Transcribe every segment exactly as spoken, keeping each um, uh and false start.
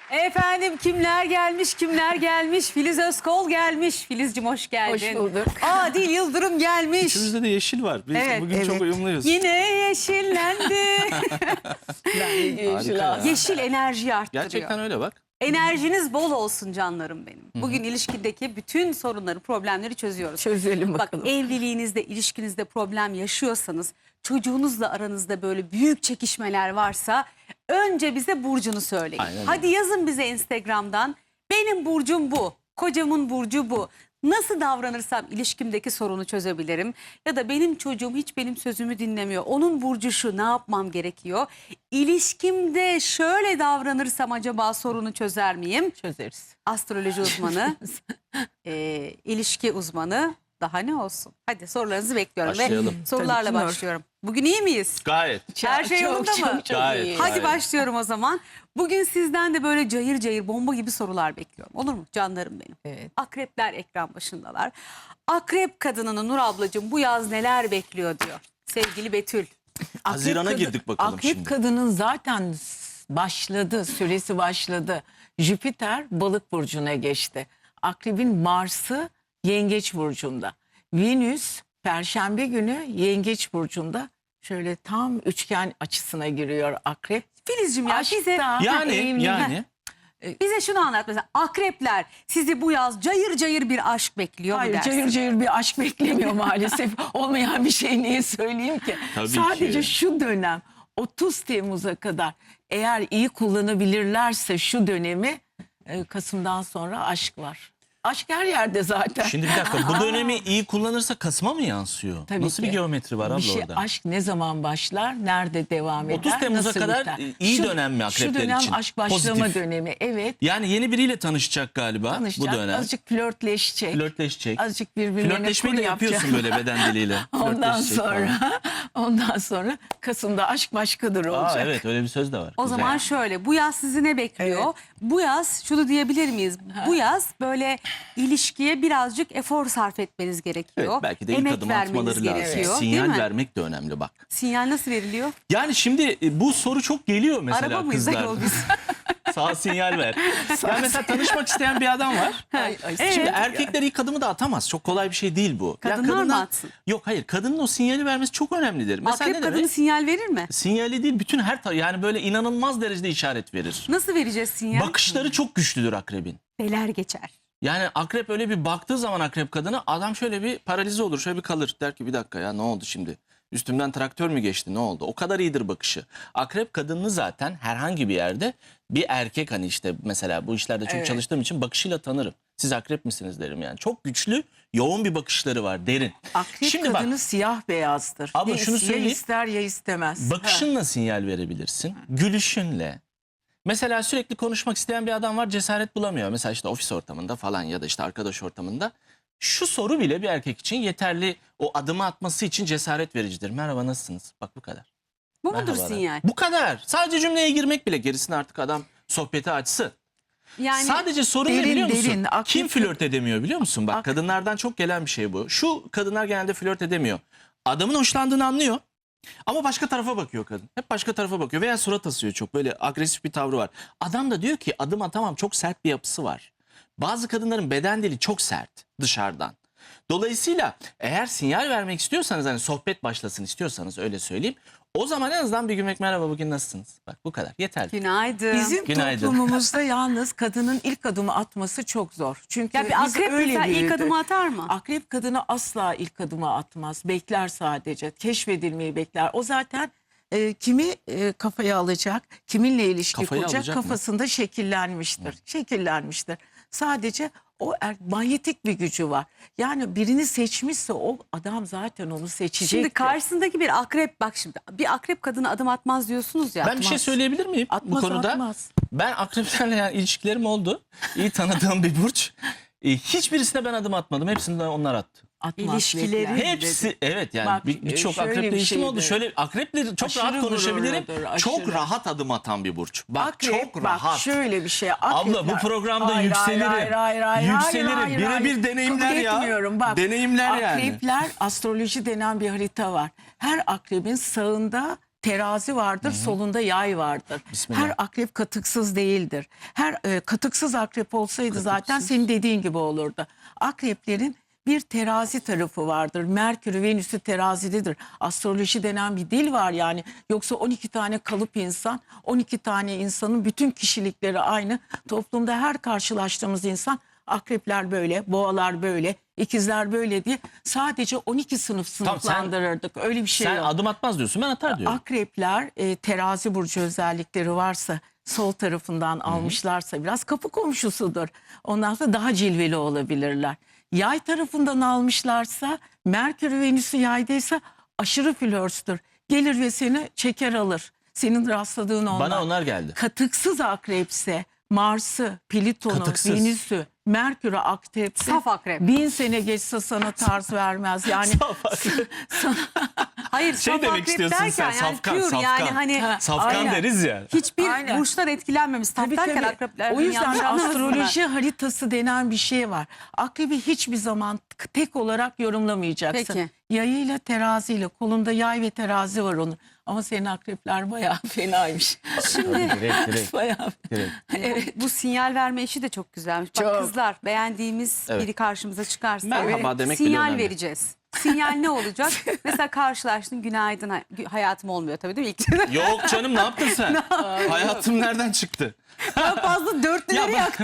Efendim kimler gelmiş kimler gelmiş. Filiz Özkol gelmiş. Filizciğim hoş geldin. Hoş bulduk. Adil Yıldırım gelmiş. İçimizde de yeşil var. Biz Evet, bugün evet. çok uyumluyuz. Yine yeşillendi. Yeşil ya. ağaç. Yeşil enerji arttırıyor. Gerçekten öyle bak. Enerjiniz bol olsun canlarım benim. Bugün ilişkideki bütün sorunları, problemleri çözüyoruz. Çözelim Bak bakalım. evliliğinizde, ilişkinizde problem yaşıyorsanız, çocuğunuzla aranızda böyle büyük çekişmeler varsa önce bize burcunu söyleyin. Aynen öyle. Hadi yazın bize Instagram'dan. Benim burcum bu, kocamın burcu bu. Nasıl davranırsam ilişkimdeki sorunu çözebilirim? Ya da benim çocuğum hiç benim sözümü dinlemiyor. Onun burcu şu, ne yapmam gerekiyor? İlişkimde şöyle davranırsam acaba sorunu çözer miyim? Çözeriz. Astroloji uzmanı, e, ilişki uzmanı, daha ne olsun? Hadi sorularınızı bekliyorum Başlayalım. ve sorularla Tabii ki başlıyorum. Bugün iyi miyiz? Gayet. Her şey Çok, yolunda çok, mı? Çok, Gayet. iyi. Hadi Gayet. başlıyorum o zaman. Bugün sizden de böyle cayır cayır bomba gibi sorular bekliyorum. Olur mu canlarım benim? Evet. Akrepler ekran başındalar. Akrep kadınını Nur ablacığım bu yaz neler bekliyor diyor. Sevgili Betül. Haziran'a Akrep girdik bakalım Akrep şimdi. kadının zaten başladı, süresi başladı. Jüpiter balık burcuna geçti. Akrebin Mars'ı yengeç burcunda. Venüs Perşembe günü yengeç burcunda. Şöyle tam üçgen açısına giriyor akrep. Filizciğim ya Aşkta, bize, Yani evlilik- yani. bize şunu anlat mesela. Akrepler sizi bu yaz cayır cayır bir aşk bekliyor mu Hayır, dersin? cayır cayır bir aşk beklemiyor maalesef. Olmayan bir şey niye söyleyeyim ki? Tabii Sadece ki. şu dönem otuz Temmuz'a kadar eğer iyi kullanabilirlerse şu dönemi e, Kasım'dan sonra aşk var. Aşk her yerde zaten. Şimdi bir dakika, bu dönemi iyi kullanırsa Kasım'a mı yansıyor? Tabii Nasıl ki. bir geometri var abla Bir şey, orada? aşk ne zaman başlar, nerede devam eder, otuz Temmuz'a nasıl kadar biter? iyi dönem mi akrepler Şu dönem için? aşk başlama Pozitif. dönemi, evet. Yani yeni biriyle tanışacak galiba Tanışacak, bu dönem. azıcık flörtleşecek. Flörtleşecek. Azıcık birbirlerine Flörtleşmeyi kur de yapıyorsun yapacak. böyle beden diliyle. Ondan Flörtleşecek falan. sonra, ondan sonra Kasım'da aşk başkadır olacak. Aa, evet, öyle bir söz de var. O Güzel. zaman şöyle, bu yaz sizi ne bekliyor? Bu yaz şunu diyebilir miyiz? Bu yaz böyle ilişkiye birazcık efor sarf etmeniz gerekiyor. Evet, belki de ilk Emek adım vermeniz atmaları lazım. gerekiyor, değil Sinyal mi? vermek de önemli bak. Sinyal nasıl veriliyor? Yani şimdi e, bu soru çok geliyor mesela Araba mıyız kızlar. ayol biz? Sağ sinyal ver. Ya mesela tanışmak isteyen bir adam var. Ay, ay, Evet. Şimdi erkekler ilk adımı da atamaz. Çok kolay bir şey değil bu. Ya Kadınlar mı kadından- atsın? Yok hayır, kadının o sinyali vermesi çok önemlidir. Mesela Akrep ne kadını demek? sinyal verir mi? Sinyali değil, bütün her ta- yani böyle inanılmaz derecede işaret verir. Nasıl vereceğiz sinyal? Bakışları çok güçlüdür akrebin. Beler geçer. Yani akrep öyle bir baktığı zaman akrep kadına, adam şöyle bir paralize olur, şöyle bir kalır. Der ki bir dakika ya, ne oldu şimdi? Üstümden traktör mü geçti, ne oldu? O kadar iyidir bakışı. Akrep kadını zaten herhangi bir yerde bir erkek, hani işte mesela bu işlerde çok Evet. çalıştığım için bakışıyla tanırım. Siz akrep misiniz derim yani. Çok güçlü, yoğun bir bakışları var, derin. Akrep Şimdi bak, kadını siyah beyazdır. Abla Ya şunu is- ya söyleyeyim. ister ya istemez. bakışınla sinyal verebilirsin. Gülüşünle. Mesela sürekli konuşmak isteyen bir adam var, cesaret bulamıyor. Mesela işte ofis ortamında falan ya da işte arkadaş ortamında. Şu soru bile bir erkek için yeterli, o adımı atması için cesaret vericidir. Merhaba, nasılsınız? Bak bu kadar. Bu mudur Merhabalar. sinyal? Bu kadar. Sadece cümleye girmek bile, gerisini artık adam sohbeti açsın. Yani Sadece sorun ne derin, biliyor musun? derin, akrep- Kim flört edemiyor biliyor musun? Bak, Ak- kadınlardan çok gelen bir şey bu. Şu kadınlar genelde flört edemiyor. Adamın hoşlandığını anlıyor. Ama başka tarafa bakıyor kadın. Hep başka tarafa bakıyor veya surat asıyor çok. Böyle agresif bir tavrı var. Adam da diyor ki adım atamam, çok sert bir yapısı var. Bazı kadınların beden dili çok sert dışarıdan. Dolayısıyla eğer sinyal vermek istiyorsanız, hani sohbet başlasın istiyorsanız, öyle söyleyeyim. O zaman en azından bir gülmek, merhaba bugün nasılsınız? Bak bu kadar, yeterli. günaydın. Bizim Günaydın. toplumumuzda yalnız kadının ilk adımı atması çok zor. Çünkü ya bir biz akrep öyle mesela ilk büyüdük. adımı atar mı? Akrep kadını asla ilk adımı atmaz. Bekler sadece. Keşfedilmeyi bekler. O zaten e, kimi e, kafaya alacak, kiminle ilişki Kafaya kuracak alacak mı? kafasında şekillenmiştir. Şekillenmiştir. Sadece o er, manyetik bir gücü var. Yani birini seçmişse o adam zaten onu seçecektir. Şimdi karşısındaki bir akrep, bak şimdi bir akrep kadını adım atmaz diyorsunuz ya. Ben bir şey Atmaz. söyleyebilir miyim Atmaz, bu konuda? atmaz. Ben akreplerle yani ilişkilerim oldu. İyi tanıdığım bir burç. E, hiçbirisine ben adım atmadım. Hepsinde onlar attı. Atmaz, İlişkileri- bekler. Hepsi, evet yani Bak, bir- birçok şöyle akreple bir ilişkim oldu. şeydir. Şöyle akreple çok Aşırı rahat konuşabilirim. gururludur, Çok aşırı. rahat adım atan bir burç. Bak Akrep, çok bak, rahat. şöyle bir şey. Abla bu Akrepler- programda Hayır, yükselirim. hayır, hayır, hayır, Yükselirim. hayır, hayır, Birebir hayır. deneyimler Kabul ya. etmiyorum. Bak, Deneyimler yani. Akrepler, astroloji denen bir harita var. Her akrebin sağında terazi vardır, solunda yay vardır. Bismillah. Her akrep katıksız değildir. Her e, katıksız akrep olsaydı zaten senin dediğin gibi olurdu. Akreplerin bir terazi tarafı vardır. Merkür, Venüs'ü terazidedir. Astroloji denen bir dil var yani. Yoksa on iki tane kalıp insan, on iki tane insanın bütün kişilikleri aynı. Toplumda her karşılaştığımız insan akrepler böyle, boğalar böyle, ikizler böyle diye sadece on iki sınıf Tamam, sen- sınıflandırırdık. Öyle bir şey Sen yok. adım atmaz diyorsun, ben atar diyorum. Akrepler e, terazi burcu özellikleri varsa, sol tarafından almışlarsa biraz kapı komşusudur. Ondan sonra daha cilveli olabilirler. Yay tarafından almışlarsa, Merkür Venüs'ü yaydaysa aşırı flörstür. Gelir ve seni çeker alır. Senin rastladığın onlar. Bana onlar geldi. Katıksız akrepse, Mars'ı, Plüton'u, Katıksız. Venüs'ü, Merkür'ü akrepse Saf akrep. bin sene geçse sana tarz vermez. Yani Saf akrep. sana Hayır, Şey saf demek akrep istiyorsun derken sen, yani safkan, pure safkan. yani hani Ha, Safkan aynen. deriz ya. hiçbir Aynen. burçlar etkilenmemiş. Saf Tabii, derken tabii. akrepler O yüzden yanlış de anlamasınlar. astroloji haritası denen bir şey var. Akrebi hiçbir zaman tek olarak yorumlamayacaksın. Peki. Yayıyla teraziyle, kolunda yay ve terazi var onun. Ama senin akrepler bayağı fenaymış. Şimdi Direkt direkt. Bayağı. direkt. evet. Bu sinyal verme işi de çok güzelmiş. Bak Çok. kızlar, beğendiğimiz Evet. biri karşımıza çıkarsa Merhaba demek bile sinyal önemli. vereceğiz. Sinyal ne olacak? Mesela karşılaştın, günaydın, hay- hayatım olmuyor tabii değil mi? İlk Yok canım, ne yaptın sen? Hayatım nereden çıktı? daha fazla dörtlüleri Ya yaktım.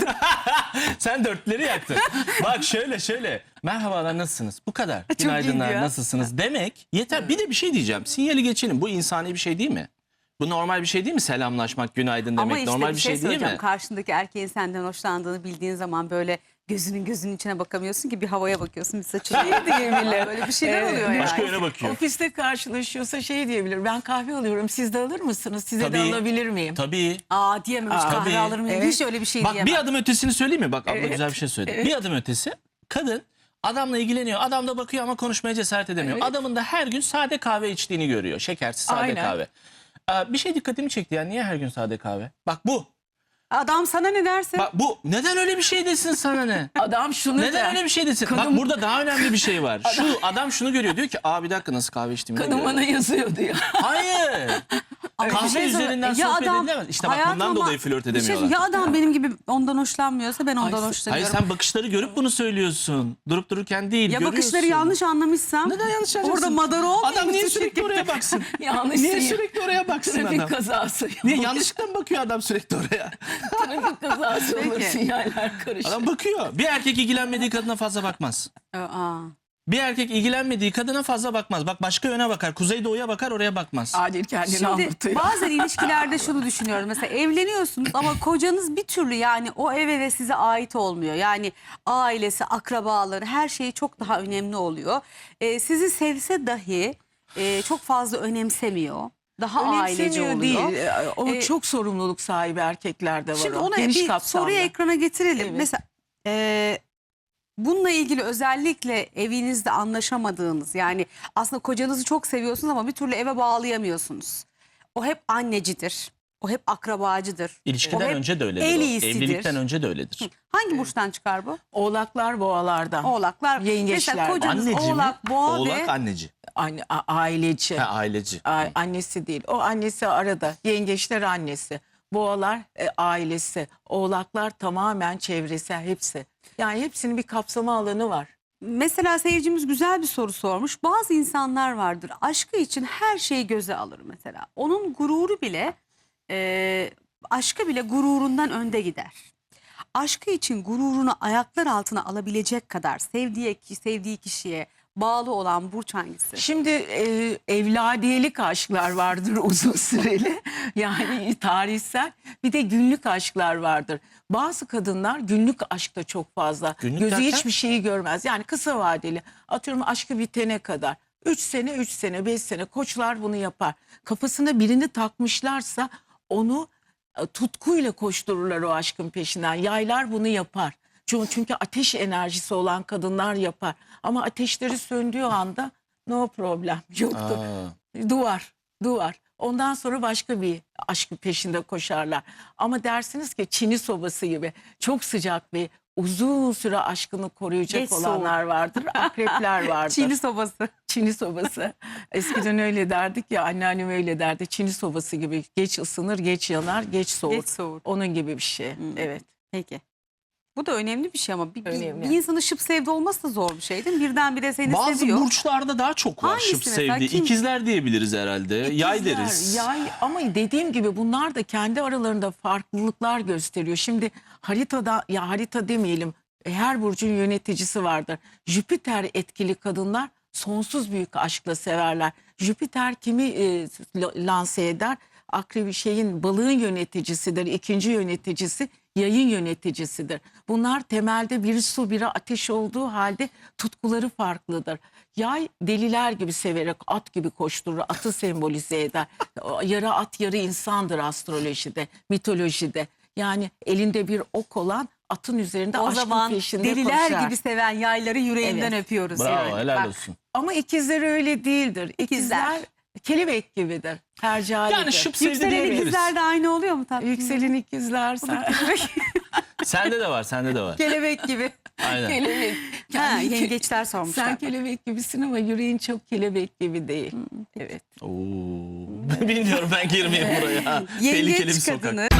Sen dörtleri yaktın. Bak şöyle şöyle. Merhabalar, nasılsınız? Bu kadar. Çok Günaydınlar, iyi ya. nasılsınız? Demek yeter. Bir de bir şey diyeceğim. Sinyali geçelim. Bu insani bir şey değil mi? Bu normal bir şey değil mi? Selamlaşmak, günaydın demek Ama işte normal bir bir şey, şey, değil söyleyeceğim. mi? Karşındaki erkeğin senden hoşlandığını bildiğin zaman böyle gözünün gözünün içine bakamıyorsun ki, bir havaya bakıyorsun, bir saçına. Şey diyebilir. Böyle bir şeyler Evet, oluyor yani. Başka yöne bakıyor. Ofiste karşılaşıyorsa şey diyebilir. Ben kahve alıyorum, siz de alır mısınız? Size de Tabii. alabilir miyim? Tabii. Aa diyememiş, Aa, kahve tabii. alır mıyım? Evet. Hiç öyle bir şey Bak diyemem. bir adım ötesini söyleyeyim mi? Bak abla Evet. güzel bir şey söyledi. Evet. Bir adım ötesi, kadın adamla ilgileniyor. Adam da bakıyor ama konuşmaya cesaret edemiyor. Evet. Adamın da her gün sade kahve içtiğini görüyor. Şekersiz sade Aynen. kahve. Aa, bir şey dikkatimi çekti ya. Niye her gün sade kahve? Bak bu. Adam sana ne derse. Bak bu. Neden öyle bir şey desin sana ne? Adam şunu Neden der. öyle bir şey desin? Kadın- Bak burada daha önemli bir şey var. Şu adam şunu görüyor. Diyor ki aa bir dakika, nasıl kahve içtiğimi Kadın görüyor. bana yazıyordu ya. Hayır. Ama Kahve bir şey söyle- üzerinden Ya sohbet adam- edilemez. İşte bak hayatım bundan ama dolayı flört bir şey- edemiyorlar. ya adam benim gibi ondan hoşlanmıyorsa ben ondan Ay, hoşlanıyorum. Hayır, sen bakışları görüp bunu söylüyorsun. Durup dururken değil, ya görüyorsun. bakışları yanlış anlamışsam. Neden yanlış anlarsın? Orada madara olmayayım. Adam niye mı sürekli oraya baksın? Yanlış Niye sinyal. sürekli oraya baksın Trafik adam? kazası. Niye yanlışlıkla mı bakıyor adam sürekli oraya? Trafik kazası olur, Peki. sinyaller karışır. Adam bakıyor. Bir erkek ilgilenmediği kadına fazla bakmaz. Aa. Bir erkek ilgilenmediği kadına fazla bakmaz. Bak başka yöne bakar. Kuzeydoğuya bakar, oraya bakmaz. Adil kendini Şimdi anlatıyor. bazen ilişkilerde şunu düşünüyorum. Mesela evleniyorsunuz ama kocanız bir türlü yani o eve ve size ait olmuyor. Yani ailesi, akrabaları, her şeyi çok daha önemli oluyor. Ee, sizi sevse dahi e, çok fazla önemsemiyor. Daha aileci Önemsemiyor oluyor. değil. O Ee, çok sorumluluk sahibi erkeklerde var. Şimdi o. onu Geniş bir kapsamlı. soruyu ekrana getirelim. Evet. Mesela e, bununla ilgili özellikle evinizde anlaşamadığınız, yani aslında kocanızı çok seviyorsunuz ama bir türlü eve bağlayamıyorsunuz. O hep annecidir. O hep akrabacıdır. O İlişkiden hep önce de öyledir. el o. iyisidir. Evlilikten önce de öyledir. Hangi burçtan çıkar bu? Oğlaklar boğalardan. Oğlaklar. Yengeçler. Mesela kocanız Anneci mi? oğlak, boğa Oğlak ve anneci. Anne, a- aileci. Ha, aileci. A- annesi değil. O annesi arada. Yengeçler annesi. Boğalar e, ailesi. Oğlaklar tamamen çevresi, hepsi. Yani hepsinin bir kapsama alanı var. mesela seyircimiz güzel bir soru sormuş. Bazı insanlar vardır, aşkı için her şeyi göze alır mesela. Onun gururu bile, e, aşkı bile gururundan önde gider. Aşkı için gururunu ayaklar altına alabilecek kadar sevdiği, sevdiği kişiye bağlı olan burç hangisi? Şimdi e, evladiyelik aşklar vardır uzun süreli. Yani tarihsel. Bir de günlük aşklar vardır. Bazı kadınlar günlük aşkta çok fazla. Günlük Gözü derken? hiçbir şeyi görmez. Yani kısa vadeli. Atıyorum aşkı bitene kadar. Üç sene, üç sene, beş sene koçlar bunu yapar. Kafasına birini takmışlarsa onu e, tutkuyla koştururlar o aşkın peşinden. Yaylar bunu yapar. Çünkü, çünkü ateş enerjisi olan kadınlar yapar. Ama ateşleri söndüğü anda no problem yoktur. Aa. Duvar, duvar. Ondan sonra başka bir aşkın peşinde koşarlar. Ama dersiniz ki çini sobası gibi çok sıcak bir uzun süre aşkını koruyacak Geç olanlar vardır. Akrepler vardır. Çini sobası. Çini sobası. Eskiden öyle derdik ya, anneannem öyle derdi. Çini sobası gibi, geç ısınır, geç yanar, geç soğur. Geç soğur. Onun gibi bir şey. Evet. Peki. Bu da önemli bir şey ama bir, bir, Önemli. bir insanın şıp sevdi olması da zor bir şey değil mi? Birdenbire seni Bazı seviyor. burçlarda daha çok var Hangisi şıp mesela? sevdiği. Kim? İkizler diyebiliriz herhalde. Yay İkizler, deriz. Yay, ama dediğim gibi bunlar da kendi aralarında farklılıklar gösteriyor. Şimdi haritada, ya harita demeyelim, her burcun yöneticisi vardır. Jüpiter etkili kadınlar sonsuz büyük aşkla severler. Jüpiter kimi e, lanse eder? Akrebi şeyin, balığın yöneticisidir. İkinci yöneticisi yayın yöneticisidir. Bunlar temelde biri su biri ateş olduğu halde tutkuları farklıdır. Yay deliler gibi severek at gibi koşturur, atı sembolize eder. Yarı at yarı insandır astrolojide, mitolojide. Yani elinde bir ok olan atın üzerinde O aşkın zaman peşinde deliler koşar. gibi seven yayları yüreğinden Evet. öpüyoruz. Bravo, Evet. helal Bak, olsun. Ama ikizler öyle değildir. İkizler, İkizler. kelebek gibidir. Tercihalidir. Yani şıp sevdi Yükselen diyebiliriz. ikizler de aynı oluyor mu tatlım? Yükselen ikizler sen. Sende de var, sende de var. Kelebek gibi. Aynen. kelebek. Ha, Kendi- yengeçler sormuşlar. Sen kelebek gibisin ama yüreğin çok kelebek gibi değil. Evet. Oo. Bilmiyorum, ben girmeyeyim buraya. Tehlikeli bir Yengeç sokak. kadını.